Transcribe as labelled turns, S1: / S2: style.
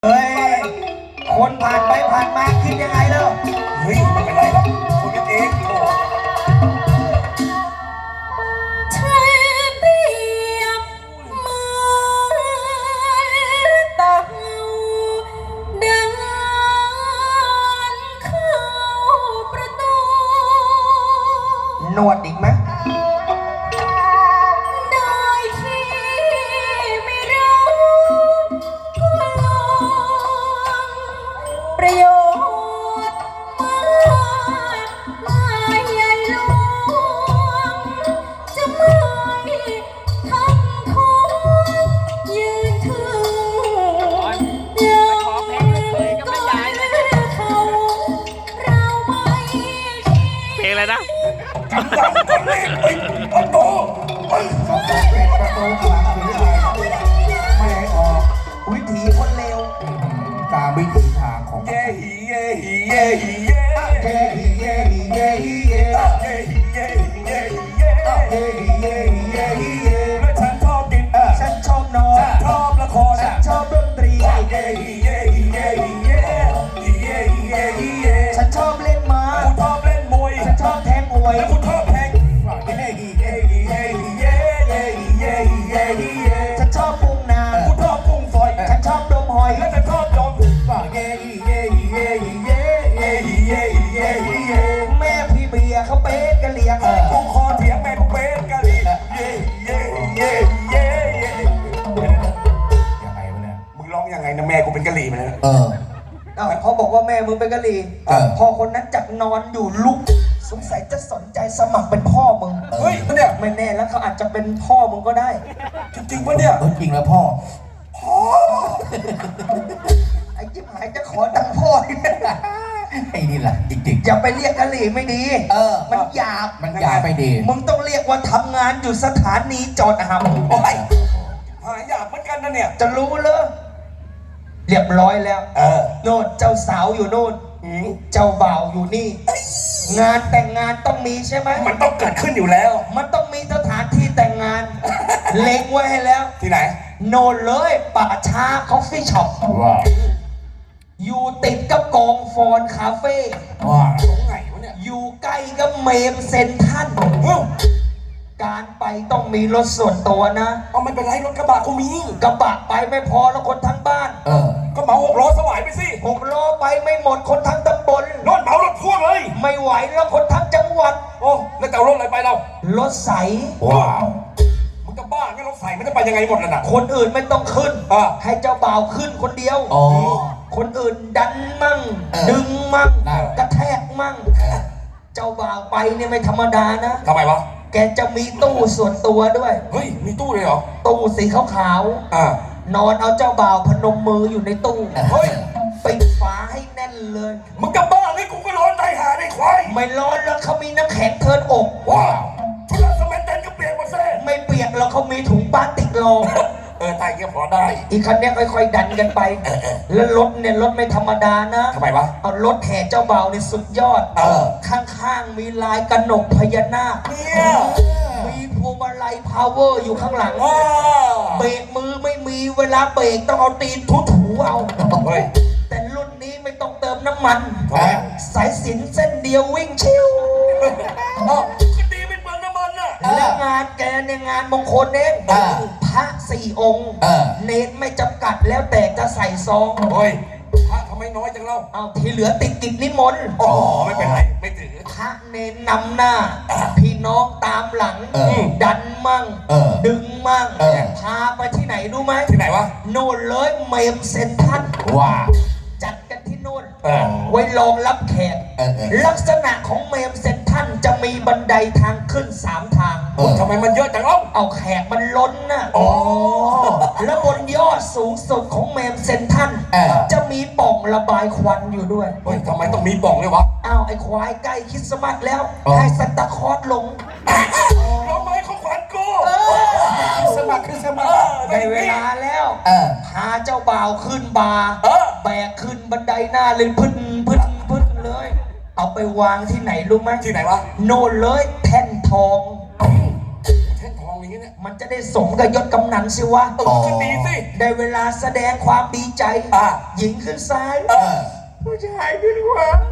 S1: เฮ้ยคนผ่านไปผ่านมาคิดยังไงแล้ว
S2: เฮ้ยไม่เป็นไรหรอกคุยกันเองโอ้
S3: เธอเปรียบเหมือนเต่าเดินเข้าประตู
S1: หนวดอีกไหม
S3: โดยที่ไม่รู้ก็ลงประโยชน์มากใหญ่หลวงจะไม่ทำของยืนถึงยอมก่อนเขาเราไม่
S4: เพลงอะไรนะ
S2: จำได้ก็เล่นไปประตูเฮ้ย
S1: เป็นประตูขลังหรืออะไรไม่ให้ออกวิถีคนเลวตามวิถีทางของ
S2: เย่ฮีเย่ฮีเย่ฮีเย่
S1: เย่ฮีเย่ฮีเย่ฮีเย่
S2: เย่ฮีเย่ฮีเย่ฮีเย่
S1: เย่ฮีเย่ฮีเย่ฮีเย่
S2: และฉันชอบกิน
S1: ฉันชอบนอน
S2: ชอบละคร
S1: ฉันชอบดนตรี
S2: เย่ฮีเย่ฮีเย่ฮีเย่ฮีเย่ฮีเย่ฮีเย่
S1: ฉันชอบเล่นม้า
S2: กูชอบเล่นมวย
S1: ฉันชอบแทงมวย
S2: แล้วกูชอบแทงเย่ฮีเย่ฮีเย่ฮีเย่เย่ฮีเย่ฮีเย่ฮีเย่
S1: ฉันชอบปุงนา
S2: กูชอบกุ้งฝอย
S1: ฉันชอบดมหอย
S2: และฉันชอบดมเย่ฮีเย่ฮีเย่ฮีเย่เย่ฮีเย่ฮีเย่ฮีเย่
S1: แม่พี่เบียร์เขาเป็นกะเหรี่ยง
S2: กูคอเถียงแม่กูเป็นกะหรี่เย่เย่เย่เย่เย่ยังไงวะเนี่ยมึงร้องยังไงนะแม่กูเป็นกะหรี่มาแล้ว
S1: เขาบอกว่าแม่มึงเป็นกะหรี่พอคนนั้นจับนอนอยู่ลุกสงสัยจะสนใจสมัครเป็นพ่อมึง
S2: เฮ้ยเนี่ย
S1: ไม่แน่แล้วเขาอาจจะเป็นพ่อมึงก็ได้
S2: จริงๆปะเนี่ย
S1: จริงแล้วพ่อไอ้จิ๊บหายจะขอตังพ่อไอ้นี่แหละจริงๆอย่าไปเรียกกะหรี่ไม่ดีมันหยาบไม่ดีมึงต้องเรียกว่าทำงานอยู่สถานีจอดหำ
S2: โอ้ยหายหยาบเหมือนกันนะเนี่ย
S1: จะรู้เลยเรียบร้อยแล้วโน่นเจ้าสาวอยู่โน่นเจ้าบ่าวอยู่นี่งานแต่งงานต้องมีใช่ไหม
S2: มันต้องเกิดขึ้นอยู่แล้ว
S1: มันต้องมีสถานที่แต่งงานเล็งไว้ให้แล้ว
S2: ที่ไหน
S1: โน่นเลยป่าช้าคอฟฟี่ช็อปว้าวอยู่ติดกับกองฟอนคาเฟ่
S2: ว้าวตรงไหนวะเนี่ย
S1: อยู่ใกล้กับเมมเซนทันการไปต้องมีรถส่วนตัวนะ
S2: เอาไม่เป็นไรรถกระบะกูมี
S1: กระบะไปไม่พอแล้วคนทั้งบ้าน
S2: ก็เหมา6 ล้อสวายไปสิ
S1: 6 ล้อไปไม่หมดคนทั้งตำบล
S2: รถเหมารถพ่วงเลย
S1: ไม่ไหวแล้วคนทั้งจังหวัด
S2: โอ้แล้วจะเอารถอะไรไปเรา
S1: รถใส
S2: ว้าวมึงจะบ้าไงรถใสมันจะไปยังไงหมดล่ะน่ะ
S1: คนอื่นไม่ต้องขึ้นให้เจ้าบ่าวขึ้นคนเดียวคนอื่นดันมั่งดึงมั่งกระแทกมั่งเจ้าบ่าวไปเนี่ยไม่ธรรมดานะ
S2: ทำไมวะ
S1: แกจะมีตู้ส่วนตัวด้วย
S2: เฮ้ยมีตู้เลยเหรอ
S1: ตู้สีขาวๆนอนเอาเจ้าบ่าวพนมมืออยู่ในตู้
S2: เฮ้ย
S1: ปิดฝาให้แน่นเลย
S2: มึงกับบ้าไงกูก็ร้อนใจหาได้ควาย
S1: ไม่ร้อนแล้วเขามีน้ำแข็งเทินอก
S2: ว้าวชุดสมัยเต้นก็เปียกหมดเส้
S1: ไม่เปียกแล้วเขามีถุงพลาสติกรอง
S2: ตายเกี่ยวพอได้
S1: อีกคันนี้ค่อยๆดันกันไปแล้วรถเนี่ยรถไม่ธรรมดานะ
S2: ทำไมวะ
S1: เอารถแห่เจ้าบ่าวเนี่ยสุดยอดข้างๆมีลายกระหนกพญานาค
S2: เนี่ย
S1: มีพวงมาลัยพาวเวอร์อยู่ข้างหลังเบรกมือไม่มีเวลาเบรกต้องเอาตีนถูๆเอาแต่รุ่นนี้ไม่ต้องเติมน้ำมันสายสิญจน์เส้นเดียววิ่งชิว
S2: ก็ดีเป็นเมืองน้ำมันน่ะ
S1: และงานแกในงานมงคลเองพระ4 องค์เนตรไม่จำกัดแล้วแต่จะใส่ซอง
S2: เฮ้ยพระทำไมน้อยจังเล่า
S1: เอาที่เหลือติดกิจนิมนต์
S2: อ๋อไม่เป็นไรไม่ถือ
S1: พระเนรนำหน้าพี่น้องตามหลังดันมั่งดึงมั่งพาไปที่ไหนรู้ไหม
S2: ที่ไหนวะ
S1: โน่นเลยเมมเซนทัน
S2: ว้า
S1: จัดกันที่โน่นไว้รองรับแขกลักษณะของเมมเซนทันจะมีบันไดทางขึ้น3 ทาง
S2: ทำไมมันเยอะจังเล่า
S1: เอาแขกมันล้นน่ะแล้วบนยอดสูงสุดของเมมเซนทันจะมีป่องระบายควันอยู่ด้วย
S2: เฮ้ยทำไมต้องมีป่องเลยวะ
S1: อ้าวไอ้ควายใกล้คริสต์มาสแล้วให้ซันตาคลอสลง
S2: เราไม่เขาขวัญกู
S1: คริสต์มาสในเวลาแล้วพาเจ้าบ่าวขึ้นบาร์แบกขึ้นบันไดหน้าเลยพึ่นเลยเอาไปวางที่ไหนรู้ไหม
S2: ที่ไหนวะ
S1: โน่นเลยแท่นทอง
S2: แท่นทองอย่างเงี้ย
S1: มันจะได้สมกับยศกำนันสิวะ
S2: ก็ดีสิ
S1: ได้เวลาแสดงความดีใจ หญิงขึ้นซ้าย ผู้ชายขึ้นขวา